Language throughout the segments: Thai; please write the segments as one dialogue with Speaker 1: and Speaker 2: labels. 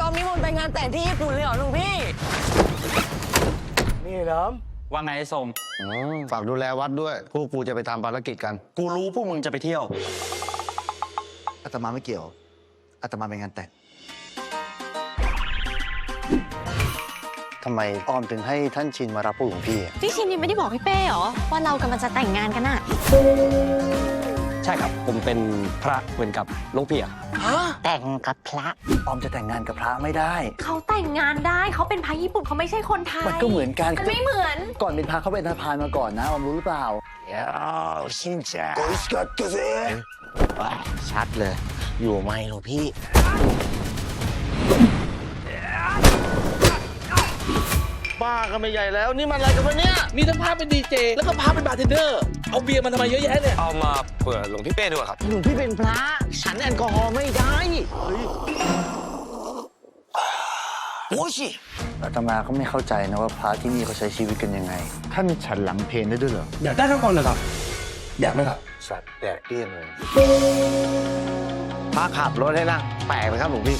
Speaker 1: มนิมนต์ไปงานแต่งที่ญี่ปุ่นเลยเหรอหลวงพี่นี่เหรอ
Speaker 2: ว่าไงไอ้สม
Speaker 3: ฝากดูแลวัดด้วยพวกกูจะไปทำภารกิจกัน
Speaker 2: กูรู้พวกมึงจะไปเที่ยว
Speaker 4: อาตมาไม่เกี่ยวอาตมาไปงานแต่งทำไมออมถึงให้ท่านชินมารับผู้หลวงพี่
Speaker 5: พี่ชินยังไม่ได้บอกพี่เป้เหรอว่าเรากำลังจะแต่งงานกันน่ะ
Speaker 2: ใช่ครับผมเป็นพระเหมือนกับหลวงพี่อะ
Speaker 5: แต่งกับพระ
Speaker 4: ออมจะแต่งงานกับพระไม่ได้
Speaker 5: เขาแต่งงานได้เขาเป็นพระญี่ปุ่นเขาไม่ใช่คนไทย
Speaker 4: มันก็เหมือนกัน
Speaker 5: มันไม่เหมือน
Speaker 4: ก่อนเป็นพระเขาเป็นทหารมาก่อนนะออมรู้หรือเปล่าชินจ้าโกอิสกัดกเซชัดเลยอยู่ไหมหลวงพี่
Speaker 3: บ้ากันไม่ใหญ่แล้วนี่มันอะไรกันวะเนี่ย
Speaker 6: มีทั้งพาเป็นดีเจแล้วก็พาเป็นบาร์เทนเดอร์เอาเบียร์มันทำไมเยอะแยะเนี่ย
Speaker 2: เอามาเผื่อหลวงพี่เป้ด้วยครับ
Speaker 3: หลวงพี่เป็นพระฉันแอลกอฮอล์ไม่ได้
Speaker 4: โอ้ยอาตมาก็ไม่เข้าใจนะว่าพระที่นี่เขาใช้ชีวิตกันยังไงท่านฉันหลังเพลนได้ด้วยเหรอ
Speaker 6: อยากได้ทั้งคนเลยครับอยากไหมครับ
Speaker 4: สัตว์แดกเตี้ยนเลย
Speaker 3: พระขับรถให้นั่งแปลกไหมครับหลวงพี่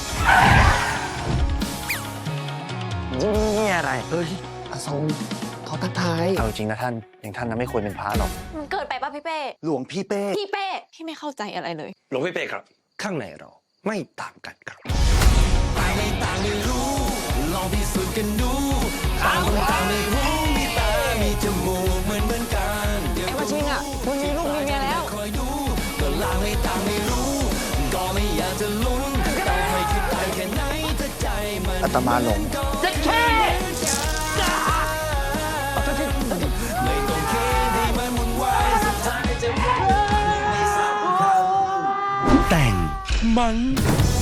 Speaker 3: นี่อะไร
Speaker 4: เฮ้ยอาทรงเขาทักทายเอาจริงนะท่านอย่างท่านนะไม่ควรเป็นพระหรอก
Speaker 5: มันเกิดไปป่ะพี่เป้
Speaker 4: หลวงพี่เป้
Speaker 5: พี่เป้พี่ไม่เข้าใจอะไรเลย
Speaker 2: หลวงพี่เป้ครับข้างในเราไม่ต่างกันครับ
Speaker 6: ต่างไม่ต่างไม่รู้ลองพิสูจน์กันดูต่างคนต่างไม่รู้มีตามีจมูกเหมือนกัน
Speaker 1: ไอ้มาชิงอ่ะคุณมีลูกมีเมียแล้ว
Speaker 6: คอยดูก็ลางไม่ต่างไม่รู้ก็ไม่อยากจะลุ้นต่อให้คิดไปแค่ไหนถ้าใจมัน
Speaker 4: อาตมาหลง
Speaker 1: จะแค่
Speaker 6: ไม่ต้องเคให้มันวุ่นวายสุดท้ายจะไม่สำคัญแต่งมัน